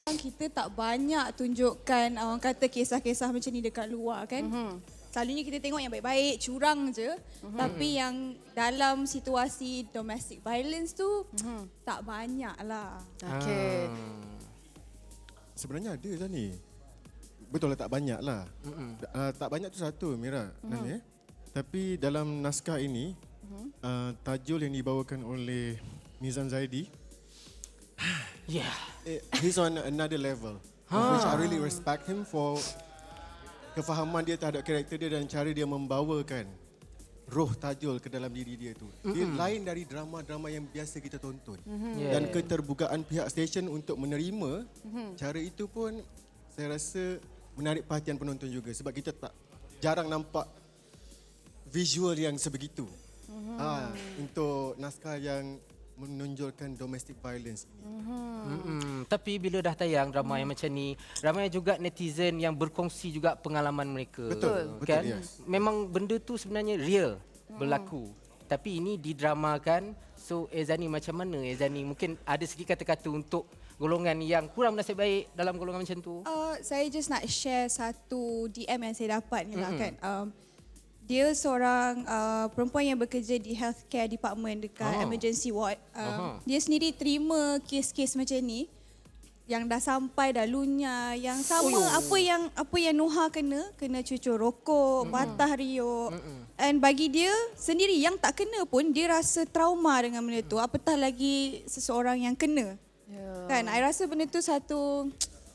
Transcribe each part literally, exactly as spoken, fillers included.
Kita tak banyak tunjukkan orang kata kisah-kisah macam ni dekat luar kan. Mm-hmm. Selalunya kita tengok yang baik-baik, curang je. Mm-hmm. Tapi yang dalam situasi domestic violence tu mm-hmm. tak banyak lah. Okey. Ah. Sebenarnya ada kan ni. Betul lah tak banyak lah. Mm-hmm. Uh, tak banyak tu satu Mira. Mm-hmm. Nami, eh? Tapi dalam naskah ini, mm-hmm. uh, tajul yang dibawakan oleh Nizam Zaidi, Yeah. he's on another level. Huh. Which I really respect him for kefahaman dia terhadap karakter dia dan cara dia membawakan roh tajul ke dalam diri dia tu. Mm-hmm. Dia lain dari drama-drama yang biasa kita tonton. Mm-hmm. Yeah. Dan keterbukaan pihak stesen untuk menerima mm-hmm. cara itu pun saya rasa menarik perhatian penonton juga sebab kita tak jarang nampak visual yang sebegitu. Mm-hmm. Ha, untuk naskah yang menonjolkan domestic violence ini. Mm-hmm. Tapi bila dah tayang drama mm. yang macam ni, ramai juga netizen yang berkongsi juga pengalaman mereka. Betul, kan? betul, yes. Memang benda tu sebenarnya real mm. berlaku. Tapi ini didramakan. So Ezani macam mana Ezani? Mungkin ada sikit kata-kata untuk golongan yang kurang bernasib baik dalam golongan macam tu. Uh, saya just nak share satu D M yang saya dapat ni lah Mm-hmm. kan. Um, Dia seorang uh, perempuan yang bekerja di healthcare department dekat Oh. emergency ward. Uh, Aha. dia sendiri terima kes-kes macam ni yang dah sampai dah lunyah, yang sama Oh. apa yang apa yang Nuha kena, kena cucur rokok, mm-hmm. patah riuk. Mm-mm. And bagi dia sendiri yang tak kena pun dia rasa trauma dengan benda tu. Apatah lagi seseorang yang kena. Yeah. Kan, I rasa benda tu satu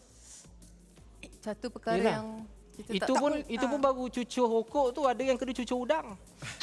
Satu perkara Yelah. yang kita Itu tak, pun tak, itu pun ah. baru cucur rokok tu, ada yang kena cucur udang.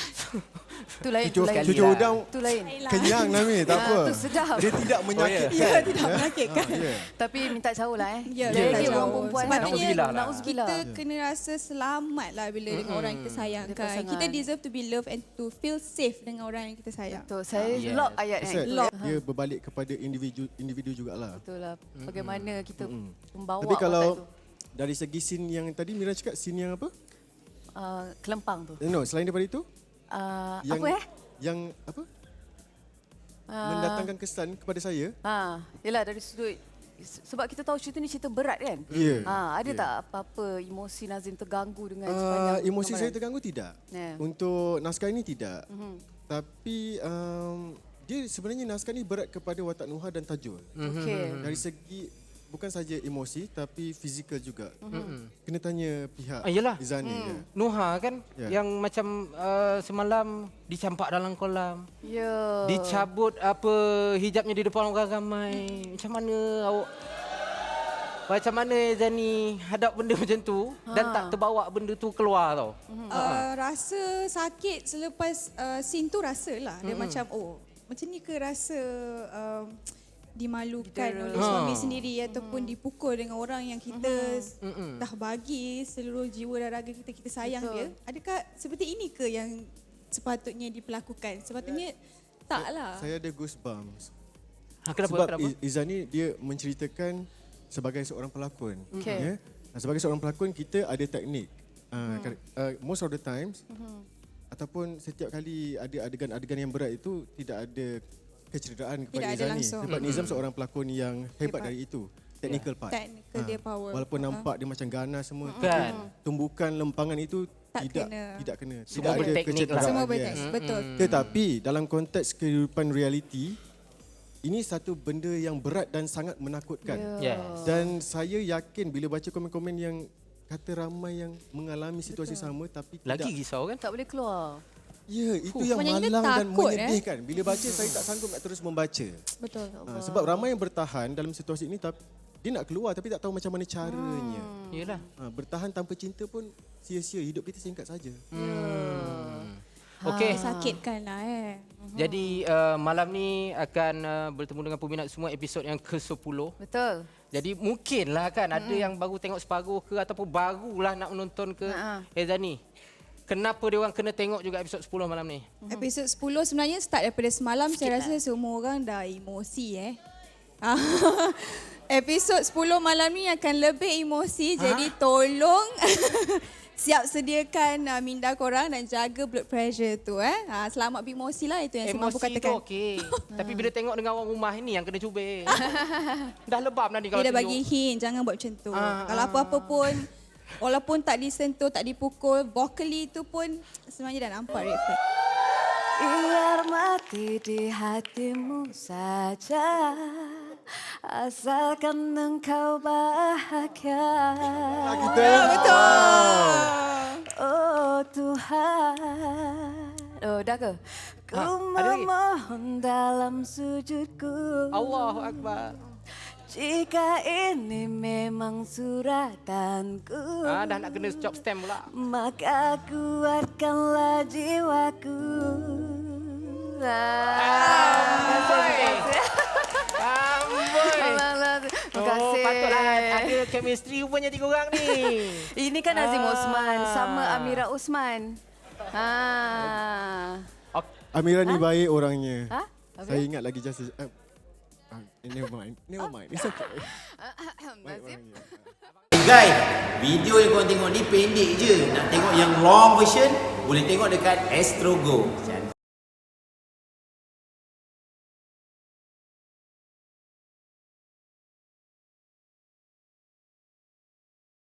tu lain, tu Cucur, lain. cucur lah. udang Tu lain. kenyang Nami, tak Ah, apa. tu sedap. Dia tidak menyakitkan. ya, tidak menyakitkan. Ah, yeah. Tapi minta jauh lah eh. Ya, Jadi minta dia jauh. orang perempuan kan. Sepatutnya Nauzubillah lah. Nauzubillah. kita kena rasa selamat lah bila dengan orang yang kita Ada sayangkan. pasangan. Kita deserve to be loved and to feel safe dengan orang yang kita sayang. Betul. Saya Yes. lock ayat That's kan. it. Lock. Dia berbalik kepada individu individu jugalah. Betul lah. Bagaimana kita Mm-mm. membawa Tapi kalau watak tu. dari segi scene yang tadi Mira cakap, scene yang apa? Uh, kelempang tu. Eh, No, selain daripada itu, Uh, yang apa eh? yang apa? Uh, Mendatangkan kesan kepada saya. Ha, yelah dari sudut sebab kita tahu cerita ni cerita berat kan. Ya. Ha, ada Ya. tak apa-apa emosi Nazim terganggu dengan Uh, sepanjang emosi saya penggambaran? terganggu tidak. Ya. Untuk naskah ini tidak. Mhm. Tapi um, dia sebenarnya naskah ni berat kepada watak Nuha dan Tajul. Okey. Dari segi bukan saja emosi tapi fizikal juga. Kena tanya pihak Ah, yelah. Izani. Ya. Nuha kan Ya. yang macam uh, semalam dicampak dalam kolam. Ya. Dicabut apa hijabnya di depan orang ramai. Macam mana awak macam mana Zani hadap benda macam tu ha. dan tak terbawa benda tu keluar tau. Uh, rasa sakit selepas uh, scene tu rasalah. Dia macam oh macam ni ke rasa um, dimalukan Kita- oleh Ha. suami sendiri ataupun dipukul dengan orang yang kita Mm-mm. dah bagi seluruh jiwa dan raga kita, kita sayang Betul. dia. Adakah seperti ini ke yang sepatutnya diperlakukan? Sepatutnya taklah. Saya ada goosebumps. Ha, kenapa? Sebab kenapa? I- Izani dia menceritakan sebagai seorang pelakon. Okey. Ya? Sebagai seorang pelakon kita ada teknik. Uh, uh, most of the times ataupun setiap kali ada adegan-adegan yang berat itu tidak ada kecederaan kepada Tidak ada Izani. langsung. Sebab Nizam seorang pelakon yang hebat Hebat. dari itu. Technical part. Technical dia power. Walaupun nampak dia macam ganas semua. Kan. Tumbukan lempangan itu Tak tidak kena. tidak kena. Semua Tidak ada berteknik lah. kecederaan. Semua Yes. berteknik, betul. Tetapi dalam konteks kehidupan realiti, ini satu benda yang berat dan sangat menakutkan. Yes. Dan saya yakin bila baca komen-komen yang kata ramai yang mengalami situasi Betul. sama tapi Lagi tidak. risau kan? Tak boleh keluar. Ya, itu Fuh, yang macam kita malang dan takut, menyedihkan. Bila baca saya tak sanggup nak terus membaca. Betul. Ha, sebab ramai yang bertahan dalam situasi ini tapi dia nak keluar tapi tak tahu macam mana caranya. Hmm. Yalah. Ha, bertahan tanpa cinta pun sia-sia. Hidup kita singkat saja. Hmm. Okey. Sakitkan lah eh. Jadi uh, malam ni akan uh, bertemu dengan peminat semua episod yang ke sepuluh. Betul. Jadi mungkinlah kan ada yang baru tengok separuh ke ataupun barulah nak menonton ke. Ha-ha. Eh Zani, kenapa dia orang kena tengok juga episod sepuluh malam ni? Episod sepuluh sebenarnya start daripada semalam. Saya rasa semua orang dah emosi eh. Episod sepuluh malam ni akan lebih emosi. Jadi tolong siap sediakan uh, minda korang dan jaga blood pressure tu eh. Ha, selamat beremosi lah, itu yang saya mampu Emosi katakan. tu okey. Tapi bila tengok dengan orang rumah ni yang kena cubit. Dah lebam dah ni kalau Dia dah tunjuk. bagi hint, jangan buat macam tu. Ah, Kalau ah. apa-apa pun, walaupun tak disentuh, tak dipukul, vocally tu pun sebenarnya dah nampak red flag. Biar mati di hatimu saja, asalkan engkau bahagia. Kita Oh Tuhan. Oh dah ke? Ku Ha, ada lagi? memohon dalam sujudku. Allahu Akbar. Jika ini memang suratanku, Ah, dah nak kena chop stamp pula. maka kuatkanlah jiwaku. Ah, Amboi. Amboi. Terima Oh, kasih. patutlah ada chemistry rupanya tiga orang ni. Ini kan Nazim Ah. Osman sama Amira Osman. Ha. Amira ni baik orangnya. Ha? Saya ingat lagi just uh, uh, never mind. Never mind. It's okay. Baik Nazim. orangnya. Guys, video yang korang tengok ni pendek je. Nak tengok yang long version, boleh tengok dekat Astro Go.